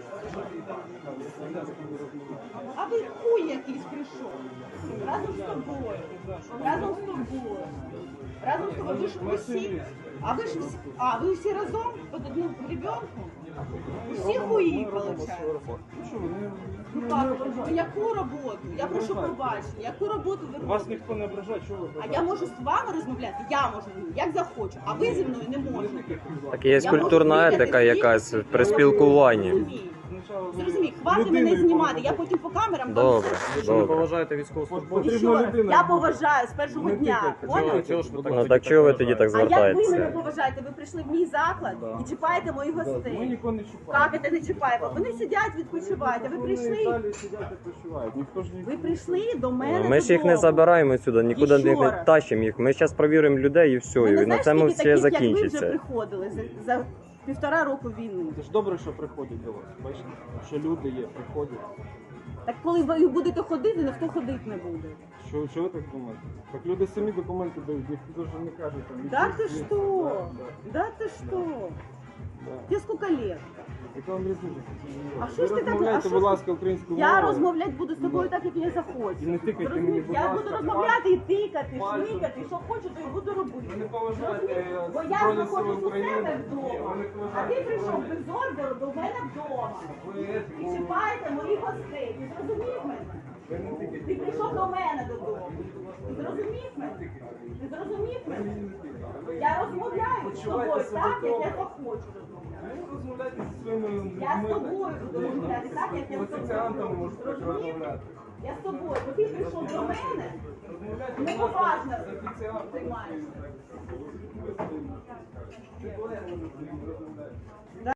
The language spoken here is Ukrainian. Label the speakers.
Speaker 1: А ви хуй якийсь прийшов. Разом з тобою. Разом з тобою. Разом з тобою. Ви ж всі. А ви ж всі. А, ви всі разом? Під одним ребенком? Всі хуї, виходить. Ну як? Яку роботу? Я прошу пробачення. Яку роботу ви робите?
Speaker 2: Вас ніхто не ображає, чого ви?
Speaker 1: А я можу з вами розмовляти? Я можу, як захочу. А ви зі мною не можете.
Speaker 3: Так є культурна етика якась при спілкуванні.
Speaker 1: Зрозумій, хватить мене знімати, я потім по камерам...
Speaker 3: Добре,
Speaker 2: Що ви
Speaker 3: добре.
Speaker 2: поважаєте військовослужбовців?
Speaker 1: І що? Я поважаю з першого дня, поняли?
Speaker 2: Чого ж ви
Speaker 3: Ну так чого ви тоді так
Speaker 1: А як ви мене
Speaker 3: звертаєтеся?
Speaker 1: поважаєте? Ви прийшли в мій заклад і чіпаєте моїх
Speaker 2: Ми
Speaker 1: гостей.
Speaker 2: нікого не чіпаємо.
Speaker 1: Як це не чіпаємо? Вони сидять, відпочивають, а ви
Speaker 2: Вони
Speaker 1: прийшли...
Speaker 2: далі сидять і відпочивають. Ніхто ж
Speaker 1: Ви прийшли до мене
Speaker 3: Ми ж їх не
Speaker 1: додому.
Speaker 3: забираємо сюди, нікуди
Speaker 1: І що
Speaker 3: не
Speaker 1: раз?
Speaker 3: тащимо їх. Ми зараз перевіримо людей і все,
Speaker 1: Ви
Speaker 3: і
Speaker 1: не
Speaker 3: на
Speaker 1: знаєш,
Speaker 3: цьому
Speaker 1: скільки
Speaker 3: все
Speaker 1: таких, як ви вже
Speaker 3: закінчиться.
Speaker 1: приходили за 1,5 року війни?
Speaker 2: Це ж добре, що приходять до вас. Бачите, що люди є, приходять.
Speaker 1: Так коли ви будете ходити, ніхто ходити не буде.
Speaker 2: Що ви так думаєте? Так люди самі документи дають, ніхто ж не каже там.
Speaker 1: Да ты
Speaker 2: ідіть,
Speaker 1: что?
Speaker 2: да,
Speaker 1: Да ты что?
Speaker 2: да.
Speaker 1: Тебе сколько лет?
Speaker 2: Яка вам різниця?
Speaker 1: А що ж ти так- а
Speaker 2: розмовляйте,
Speaker 1: що
Speaker 2: будь
Speaker 1: ж-
Speaker 2: ласка, українською
Speaker 1: Я
Speaker 2: мовою.
Speaker 1: розмовляти буду з тобою так, як я захочу.
Speaker 2: І не тикайте
Speaker 1: Зрозумів?
Speaker 2: мені, будь
Speaker 1: Я
Speaker 2: ласка,
Speaker 1: буду розмовляти і тикати,
Speaker 2: пальцем.
Speaker 1: шмикати, що хочу, то і буду робити.
Speaker 2: Ви не поважаєте
Speaker 1: Зрозумів? Бо я
Speaker 2: Збройні Сили
Speaker 1: знаходжусь у
Speaker 2: України.
Speaker 1: себе
Speaker 2: Ні, ви
Speaker 1: вдома,
Speaker 2: не
Speaker 1: а
Speaker 2: поважаєте
Speaker 1: ти прийшов
Speaker 2: Збройні.
Speaker 1: без ордеру до мене вдома. І чіпаєте моїх гостей. Ти зрозумів мене? Ти прийшов до мене додому. Ти зрозумів мене? Ти зрозумів мене? Я розмовляю з тобою так, як я захочу розмовляти.
Speaker 2: Ви розмовляйте зі своїми людьми.
Speaker 1: Я з тобою буду розмовляти так, як я з
Speaker 2: Офіціантами
Speaker 1: тобою.
Speaker 2: можете так
Speaker 1: Розумієш?
Speaker 2: розмовляти.
Speaker 1: Я з тобою, бо ти прийшов до мене,
Speaker 2: Розмовляйте, будь ласка,
Speaker 1: неповажно
Speaker 2: з офіціантами.
Speaker 1: займаєшся.
Speaker 2: Ти колегами розмовляєте.